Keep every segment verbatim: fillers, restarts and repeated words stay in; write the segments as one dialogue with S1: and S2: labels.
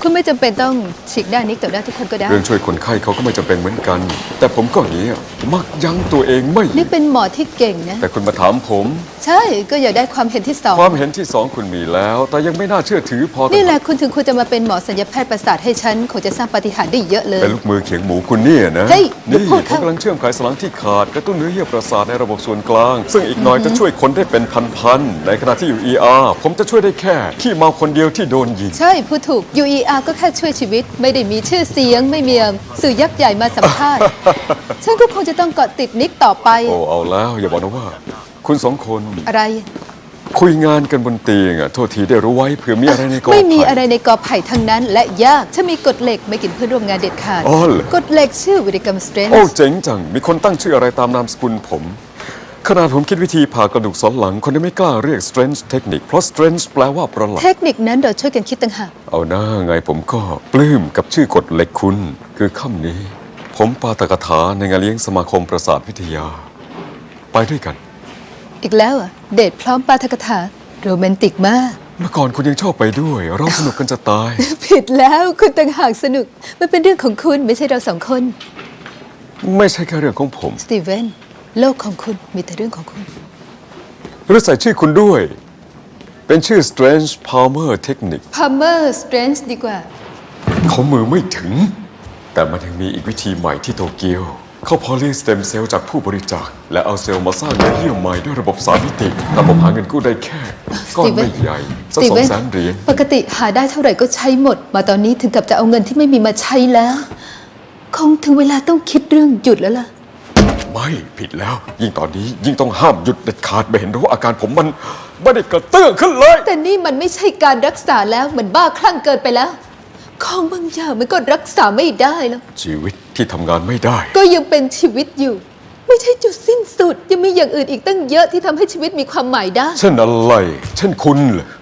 S1: คุณไม่จำเป็นต้องฉีกหน้านิกต่อหน้าทุกคนก็ได้
S2: เรื่องช่วยคนไข้เขาก็ไม่จำเป็นเหมือนกัน แต่ผมก็อย่างนี้มักยั้งตัวเองไม่
S1: นิกเป็นหมอที่เก่งนะ
S2: แต่คุณมาถามผม
S1: ใช่ก็อยากได้ความเห็นที่สอง
S2: ความเห็นที่สองคุณมีแล้ว แต่ยังไม่น่าเชื่อถือพอ
S1: นี่แหละคุณถึงคุณจะมาเป็นหมอศัลยแพทย์ประสาทให้ฉันคงจะสร้างปาฏิหาริย์ได้เยอะเลย
S2: เป็นลูกมือเขียงหมูคุณเนี่ยนะ
S1: เฮ้ย
S2: นี่
S1: พูด
S2: ผ
S1: เข้า
S2: มกำลังเชื่อมไขสันหลังที่ขาดกระตุ้นเนื้อเยื่อประสาทในระบบส่วนกลาง ซึ่งอีกหน่อยจะช่วยคนได้เป็นพันๆในขณะที่อยู่ อี อาร์ ผมจะช่วยได้แค่ขี้เมาคนเดียวที่โดนยิง
S1: ใช่พูดถูก ยู อี อาร์ ก็แค่ช่วยชีวิตไม่ได้มีชื่อเสียงไม่มีสื่อยักษ์ใหญ่มาสัมภาษณ์ ฉันก็คงจะต้องเกาะติดนิกต่อไป
S2: โอ้เอาแล้วอย่าบอกนะว่า คุณสองคน
S1: อะไร
S2: คุยงานกันบนเตียงอ่ะโทษทีได้รู้ไว้เผื่อมีอะไรในกอไผ่
S1: ไม่มีอะไรในกอไผ่ทั้งนั้นและยากฉันมีกฎเหล็กไม่กินเพื่อนร่วมงานเด็ดขาด
S2: อ๋อเหรอก
S1: ฎเหล็กชื่อวิริกรรมสเตรนจ์
S2: โอ้เจ๋งจังมีคนตั้งชื่ออะไรตามนามสกุลผมขนาดผมคิดวิธีผ่ากระดูกสันหลังคนยังไม่กล้าเรียก strange technique เพราะ strange แปลว่าประหลาด
S1: เทคนิคนั้นเราช่วยกันคิดต่างหาก
S2: เอาหน้าไงผมก็ปลื้มกับชื่อกฎเหล็กคุณคือค่ำนี้ผมปาตกถาในงานเลี้ยงสมาคมประสาทวิทยาไปด้วยกัน
S1: อีกแล้วอ่ะเดทพร้อมปาฐกถาโรแมนติกมาก
S2: เมื่อก่อนคุณยังชอบไปด้วยเราสนุกกันจะตาย
S1: ผิดแล้วคุณต่างหากสนุกมันเป็นเรื่องของคุณไม่ใช่เราสองคน
S2: ไม่ใช่แค่เรื่องของผม
S1: สตีเวนโลกของคุณมีแต่เรื่องของคุณ
S2: หรือใส่ชื่อคุณด้วยเป็นชื่อ strange palmer technique
S1: พาเมอร์สเตรนจ์ดีกว่า
S2: เขามือไม่ถึงแต่มันยังมีอีกวิธีใหม่ที่โตเกียวเขาพอเลี้ยงสเต็มเซลล์จากผู้บริจาคและเอาเซลล์มาสร้างเนื้อเยื่อใหม่ด้วยระบบสามมิติแต่ผมหาเงินกู้ได้แค่ก้อนไม่ใหญ่สักสองแสนเหรียญ
S1: ปกติหาได้เท่าไหร่ก็ใช้หมดมาตอนนี้ถึงกับจะเอาเงินที่ไม่มีมาใช้แล้วคงถึงเวลาต้องคิดเรื่องหยุดแล้วล่ะ
S2: ไม่ผิดแล้วยิ่งตอนนี้ยิ่งต้องห้ามหยุดเด็ดขาดไม่เห็นหรือว่าอาการผมมันไม่ได้กระเตื้องขึ้นเลย
S1: แต่นี่มันไม่ใช่การรักษาแล้วเหมือนบ้าคลั่งเกินไปแล้วของบางอย่างมันก็รักษาไม่ได้แล้ว
S2: ชีวิตที่ทำงานไม่ได้
S1: ก็ยังเป็นชีวิตอยู่ไม่ใช่จุดสิ้นสุดยังมีอย่างอื่นอีกตั้งเยอะที่ทำให้ชีวิตมีความหมายได้
S2: เช่นอะไรเช่นคุณเหรอ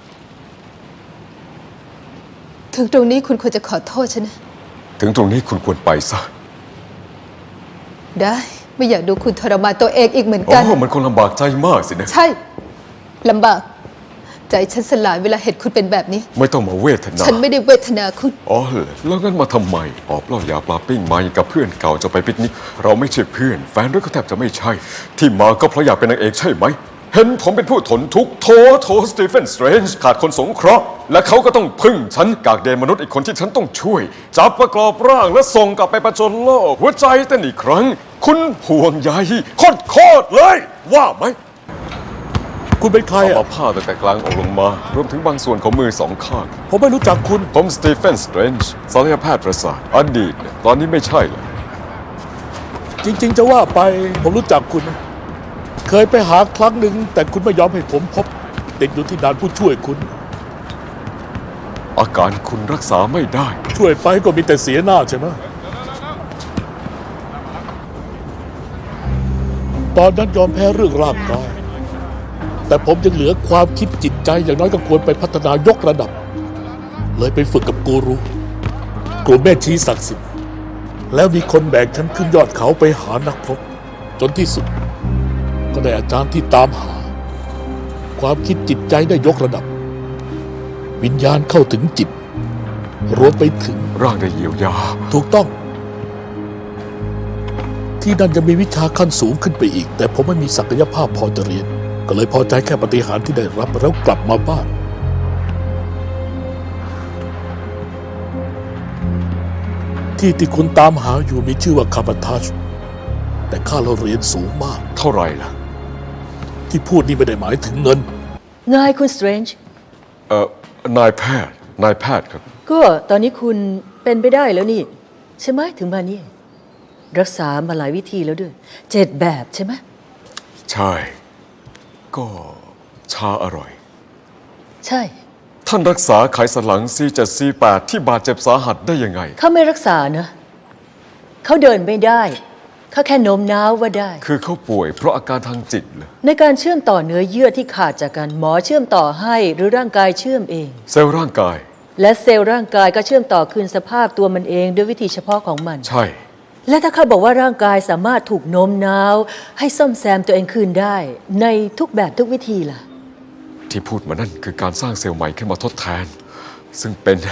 S1: ถึงตรงนี้คุณควรจะขอโทษฉันนะ
S2: ถึงตรงนี้คุณควรไปซะ
S1: ได้ไม่อยากดูคุณทรมานตัวเองอีกเหมือนกัน
S2: โอ้มันคงลำบากใจมากสินะ
S1: ใช่ลำบากใจฉันสลายเวลาเห็นคุณเป็นแบบนี้
S2: ไม่ต้องมาเวทนา
S1: ฉันไม่ได้เวทนาคุณ
S2: อ๋อเหรอแล้วงั้นมาทำไมออกเหล้ายาปลาปิ้งมาอย่างกับเพื่อนเก่าจะไปปิกนิกเราไม่ใช่เพื่อนแฟนด้วยก็แทบจะไม่ใช่ที่มาก็เพราะอยากเป็นนางเอกใช่ไหมเห็นผมเป็นผู้ทนทุกข์โทโทสตีเฟนสเตรนจ์ขาดคนสงเคราะห์และเขาก็ต้องพึ่งฉันกากเดนมนุษย์อีกคนที่ฉันต้องช่วยจับประกอบร่างและส่งกลับไปประจนโลกหัวใจเต้นอีกครั้งคุณห่วงใยโคตรโคตรเลยว่าไหม
S3: คุณเป็นใคร
S2: เอา
S3: อ่ะ
S2: ผ้าตั้งแต่กลางอกลงมารวมถึงบางส่วนของมือสองข้าง
S3: ผมไม่รู้จักคุณ
S2: ผมสตีเฟนสเตรนจ์ศัลยแพทย์ประสาทอดีตตอนนี้ไม่ใช่เลย
S3: จริงๆจะว่าไปผมรู้จักคุณนะเคยไปหาครั้งหนึ่งแต่คุณไม่ยอมให้ผมพบติดอยู่ที่ด่านผู้ช่วยคุณ
S2: อาการคุณรักษาไม่ได้
S3: ช่วยไปก็มีแต่เสียหน้าใช่ไหมตอนนั้นยอมแพ้เรื่องร่างกายแต่ผมยังเหลือความคิดจิตใจอย่างน้อยก็ควรไปพัฒนายกระดับเลยไปฝึกกับกูรูกลุ่มแม่ชีศักดิ์สิทธิ์แล้วมีคนแบกฉันขึ้นยอดเขาไปหานักพรตจนที่สุดก็ได้อาจารย์ที่ตามหาความคิดจิตใจได้ยกระดับวิญญาณเข้าถึงจิตรวมไปถึง
S2: ร่างได้เยียวยา
S3: ถูกต้องที่นั่นจะมีวิชาขั้นสูงขึ้นไปอีกแต่ผมไม่มีศักยภาพพอจะเรียนก็เลยพอใจแค่ปฏิหารย์ที่ได้รับแล้วกลับมาบ้านที่ที่คุณตามหาอยู่มีชื่อว่าคาบาทัชแต่ค่าเราเรียนสูงมาก
S2: เท่าไหร่ล่ะ
S3: ที่พูดนี่ไม่ได้หมายถึงเงิน
S1: นายคุณสเตรนจ์
S2: เอ่อนายแพทย์นายแพทย์ครับ
S1: ก็ตอนนี้คุณเป็นไปได้แล้วนี่ใช่ไหมถึงมานี่รักษามาหลายวิธีแล้วด้วยเจ็ดแบบใช่ไหม
S2: ใช่ก็ชาอร่อย
S1: ใช่
S2: ท่านรักษาไขสันหลัง ซี เจ็ด ซี แปด ที่บาดเจ็บสาหัสได้ยังไง
S1: เขาไม่รักษานะเขาเดินไม่ได้เขาแค่โน้มน้าวว่าได้
S2: คือเขาป่วยเพราะอาการทางจิตเหรอ
S1: ในการเชื่อมต่อเนื้อเยื่อที่ขาดจากกันหมอเชื่อมต่อให้หรือร่างกายเชื่อมเอง
S2: เซลล์ร่างกาย
S1: และเซลล์ร่างกายก็เชื่อมต่อคืนสภาพตัวมันเองด้วยวิธีเฉพาะของมัน
S2: ใช่
S1: และถ้าเขาบอกว่าร่างกายสามารถถูกโน้มน้าวให้ซ่อมแซมตัวเองคืนได้ในทุกแบบทุกวิธีล่ะ
S2: ที่พูดมานั่นคือการสร้างเซลล์ใหม่ขึ้นมาทดแทนซึ่งเป็น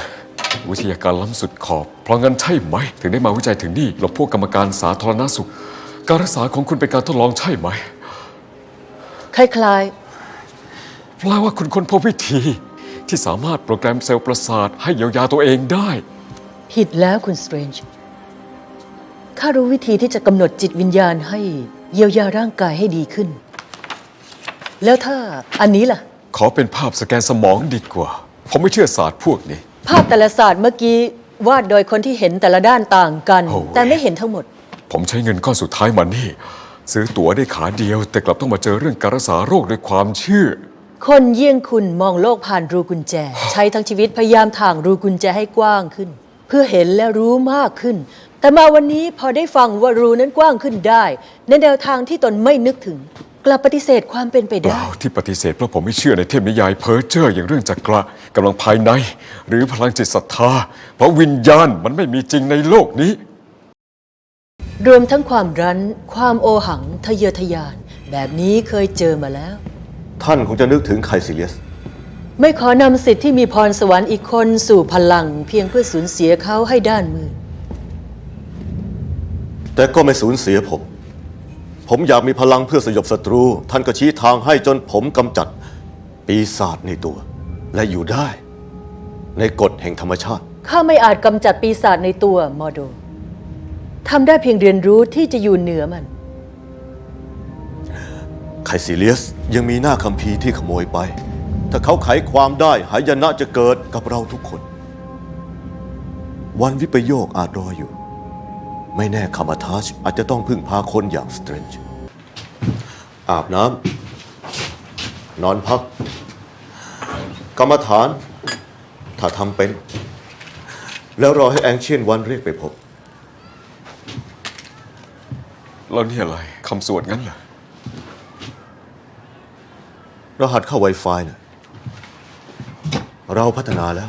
S2: วิทยาการล้ำสุดขอบ เพราะงั้นใช่ไหม ถึงได้มาวิจัยถึงนี่หลบพวกกรรมการสาธารณสุข การรักษาของคุณเป็นการทดลองใช่ไหม
S4: คล้าย
S2: แปลว่าคุณค้นพบวิธี ที่สามารถโปรแกรมเซลล์ประสาทให้เยียวยาตัวเองได้
S4: ๆ ผิดแล้วคุณสเตรนจ์ข้ารู้วิธีที่จะกำหนดจิตวิญญาณให้เยียวยาร่างกายให้ดีขึ้น แล้วถ้าอันนี้ล่ะ
S2: ขอเป็นภาพสแกนสมองดีกว่า ผมไม่เชื่อศาสตร์พวกนี้
S4: ภาพแต่ละศาสตร์เมื่อกี้วาดโดยคนที่เห็นแต่ละด้านต่างกัน
S2: โอ้ย
S4: แต่ไม่เห็นทั้งหมด
S2: ผมใช้เงินก้อนสุดท้ายมานี่ ซื้อตั๋วได้ขาเดียว แต่กลับต้องมาเจอเรื่องการรักษาโรคด้วยความเชื่อ
S4: คนเยี่ยงคุณมองโลกผ่านรูกุญแจ ใช้ทั้งชีวิตพยายามถ่างรูกุญแจให้กว้างขึ้น เพื่อเห็นและรู้มากขึ้น แต่มาวันนี้พอได้ฟังว่ารูนั้นกว้างขึ้นได้ ในแนวทางที่ตนไม่นึกถึง กลับปฏิเสธความเป็นไป
S2: เป
S4: ได้
S2: ล่าที่ปฏิเสธเพราะผมไม่เชื่อในเทพนิยายเพ้อเจ้ออย่างเรื่องจักระกำลังภายใน หรือพลังจิตศรัทธา เพราะวิญญาณมันไม่มีจริงในโลกนี้
S4: รวมทั้งความรั้น ความโอหัง ทะเยอทะยาน แบบนี้เคยเจอมาแล้ว
S5: ท่านคงจะนึกถึงไคซิเลียส
S4: ไม่ขอนำสิทธิ์ที่มีพรสวรรค์อีกคนสู่พลัง เพียงเพื่อสูญเสียเขาให้ด้านมืด
S5: แต่ก็ไม่สูญเสียผม ผมอยากมีพลังเพื่อสยบศัตรู ท่านก็ชี้ทางให้จนผมกำจัด ปีศาจในตัว และอยู่ได้ ในกฎแห่งธรรมชาติ
S4: ข้าไม่อาจกำจัดปีศาจในตัวมอโดทำได้เพียงเรียนรู้ที่จะอยู่เหนือมัน
S5: ไคซิเลียสยังมีหน้าคัมภีร์ที่ขโมยไป ถ้าเขาไขความได้หายนะจะเกิดกับเราทุกคน วันวิปโยคอาจรออยู่ ไม่แน่คามาทาชอาจจะต้องพึ่งพาคนอย่างสเตรนจ์อาบน้ำนอนพัก กรรมฐาน ถ้าทำเป็น แล้วรอให้แองเชียนวันเรียกไปพบ
S2: แล้วนี่อะไรคำสวดงั้นเหรอ
S5: รหัสเข้า Wi-Fi นะเราพัฒนาแล้ว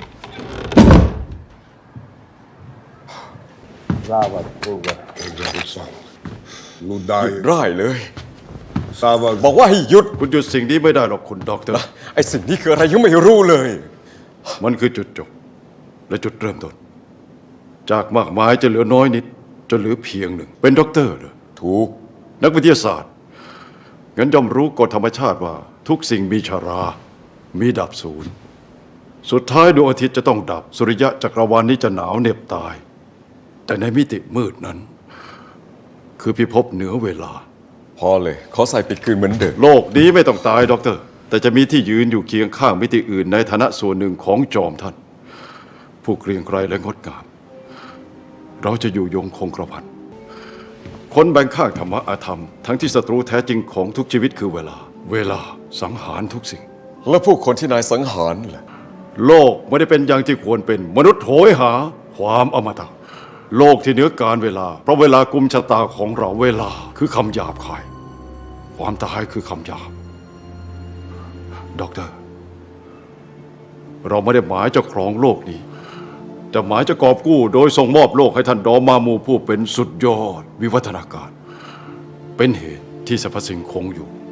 S6: Слава Богу, Иисус. Лудай.
S2: ร่ายเลย
S6: Слава
S2: บอกว่าให้หยุด
S7: คุณหยุดสิ่งนี้ไม่ได้หรอกคุณด็อกเตอร์
S2: ไอ้สิ่งนี้คืออะไรยังไม่รู้เลย
S7: มันคือจุดจบ และจุดเริ่มต้น จากมากมายจะเหลือน้อยนิดจนเหลือเพียงหนึ่ง เป็นด็อกเตอร์เหรอ
S2: ถูก
S7: นักวิทยาศาสตร์ งั้นย่อมรู้กฎธรรมชาติว่าทุกสิ่งมีชารา มีดับศูนย์ สุดท้ายดวงอาทิตย์จะต้องดับ สุริยะจักรวาลนี้จะหนาวเหน็บตาย แต่ในมิติมืดนั้น คือพิภพเหนือเวลา
S2: พอเลย ขอใส่ปิดคืนเหมือนเดิม
S7: โลกนี้ไม่ต้องตายด็อกเตอร์ แต่จะมีที่ยืนอยู่เคียงข้างมิติอื่นในฐานะส่วนหนึ่งของจอมท่าน ผู้เกรียงไกรและงดงาม เราจะอยู่ยงคงกระพันคนแบ่งข้างธรรมะอาธรรม ทั้งที่ศัตรูแท้จริงของทุกชีวิตคือเวลา เวลาสังหารทุกสิ่ง
S2: แล้วผู้คนที่นายสังหารล่ะ
S7: โลกไม่ได้เป็นอย่างที่ควรเป็นมนุษย์โหยหา ความอมตะ โลกที่เหนือการเวลา เพราะเวลากุมชะตาของเราเวลาคือคำหยาบคาย ความตายคือคำหยาบด็อกเตอร์ เราไม่ได้หมายจะครองโลกนี้ แต่หมายจะกอบกู้โดยส่งมอบโลกให้ท่านดอมามูผู้เป็นสุดยอดวิวัฒนาการ เป็นเหตุที่สรรพสิ่งคงอยู่